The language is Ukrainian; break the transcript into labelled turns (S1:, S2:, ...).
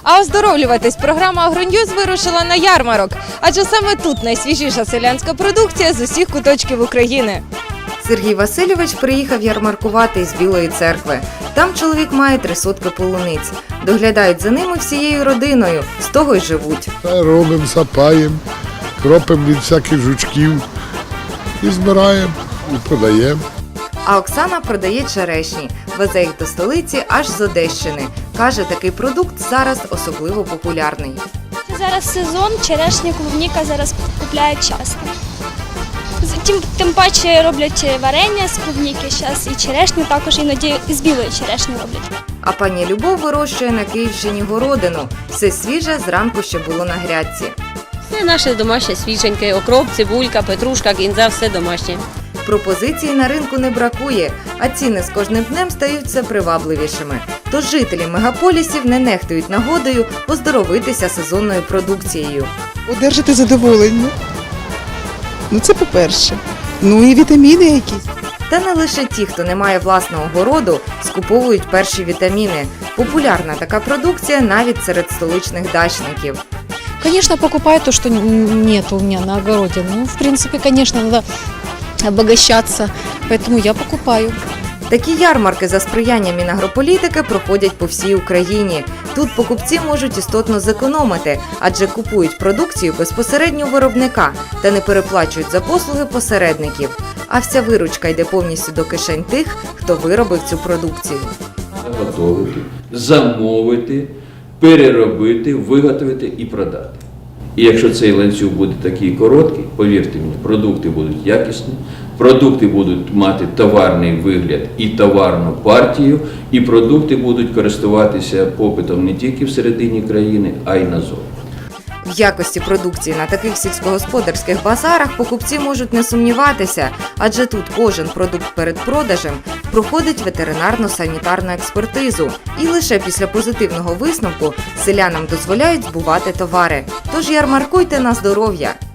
S1: А оздоровлюватись програма «Агроньюз» вирушила на ярмарок, адже саме тут найсвіжіша селянська продукція з усіх куточків України.
S2: Сергій Васильович приїхав ярмаркувати із Білої церкви. Там чоловік має 3 сотки полуниць. Доглядають за ними всією родиною, з того й живуть.
S3: Робимо, сапаємо, кропимо від всяких жучків і збираємо, і продаємо.
S2: А Оксана продає черешні, везе їх до столиці аж з Одещини. Каже, такий продукт зараз особливо популярний.
S4: Зараз сезон, черешня, клубніка зараз купляють часто. Тим паче роблять варення з клубніки зараз і черешню, також іноді з білої черешні роблять.
S2: А пані Любов вирощує на Київщині городину. Все свіже зранку ще було на грядці.
S5: Все наше домашнє, свіженьке, окроп, цибулька, петрушка, кінза, все домашнє.
S2: Пропозицій на ринку не бракує, а ціни з кожним днем стають все привабливішими. Тож жителі мегаполісів не нехтують нагодою оздоровитися сезонною продукцією.
S6: Одержати задоволення. Це по-перше. І вітаміни якісь.
S2: Та не лише ті, хто не має власного городу, скуповують перші вітаміни. Популярна така продукція навіть серед столичних дачників.
S7: Конечно, покупаю то, что нет у меня на огороде. В принципе, конечно, надо обогащаться, поэтому я покупаю.
S2: Такі ярмарки за сприяння Мінагрополітики проходять по всій Україні. Тут покупці можуть істотно зекономити, адже купують продукцію безпосередньо у виробника та не переплачують за послуги посередників. А вся виручка йде повністю до кишень тих, хто виробив цю продукцію.
S8: Заготовити, замовити, переробити, виготовити і продати. І якщо цей ланцюг буде такий короткий, повірте мені, продукти будуть якісні, продукти будуть мати товарний вигляд і товарну партію, і продукти будуть користуватися попитом не тільки всередині країни, а й назовні.
S2: В якості продукції на таких сільськогосподарських базарах покупці можуть не сумніватися, адже тут кожен продукт перед продажем проходить ветеринарно-санітарну експертизу. І лише після позитивного висновку селянам дозволяють збувати товари. Тож ярмаркуйте на здоров'я!